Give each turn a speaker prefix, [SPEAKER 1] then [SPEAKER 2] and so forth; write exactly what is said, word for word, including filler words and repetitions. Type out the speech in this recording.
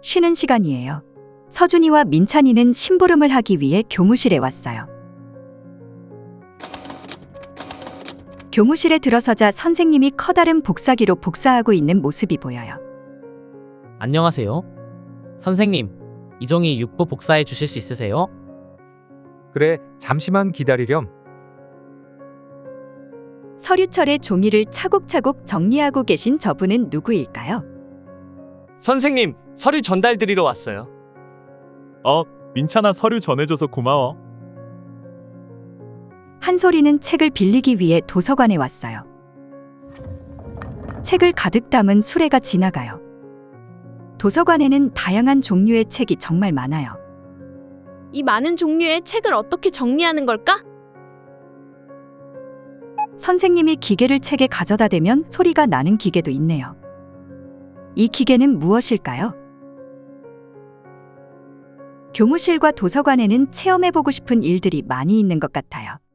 [SPEAKER 1] 쉬는 시간이에요. 서준이와 민찬이는 심부름을 하기 위해 교무실에 왔어요. 교무실에 들어서자 선생님이 커다란 복사기로 복사하고 있는 모습이 보여요.
[SPEAKER 2] 안녕하세요. 선생님, 이종이 육부 복사해 주실 수 있으세요?
[SPEAKER 3] 그래, 잠시만 기다리렴.
[SPEAKER 1] 서류철에 종이를 차곡차곡 정리하고 계신 저분은 누구일까요?
[SPEAKER 4] 선생님, 서류 전달 드리러 왔어요.
[SPEAKER 5] 어, 민찬아 서류 전해줘서 고마워.
[SPEAKER 1] 한솔이는 책을 빌리기 위해 도서관에 왔어요. 책을 가득 담은 수레가 지나가요. 도서관에는 다양한 종류의 책이 정말 많아요.
[SPEAKER 6] 이 많은 종류의 책을 어떻게 정리하는 걸까?
[SPEAKER 1] 선생님이 기계를 책에 가져다 대면 소리가 나는 기계도 있네요. 이 기계는 무엇일까요? 교무실과 도서관에는 체험해보고 싶은 일들이 많이 있는 것 같아요.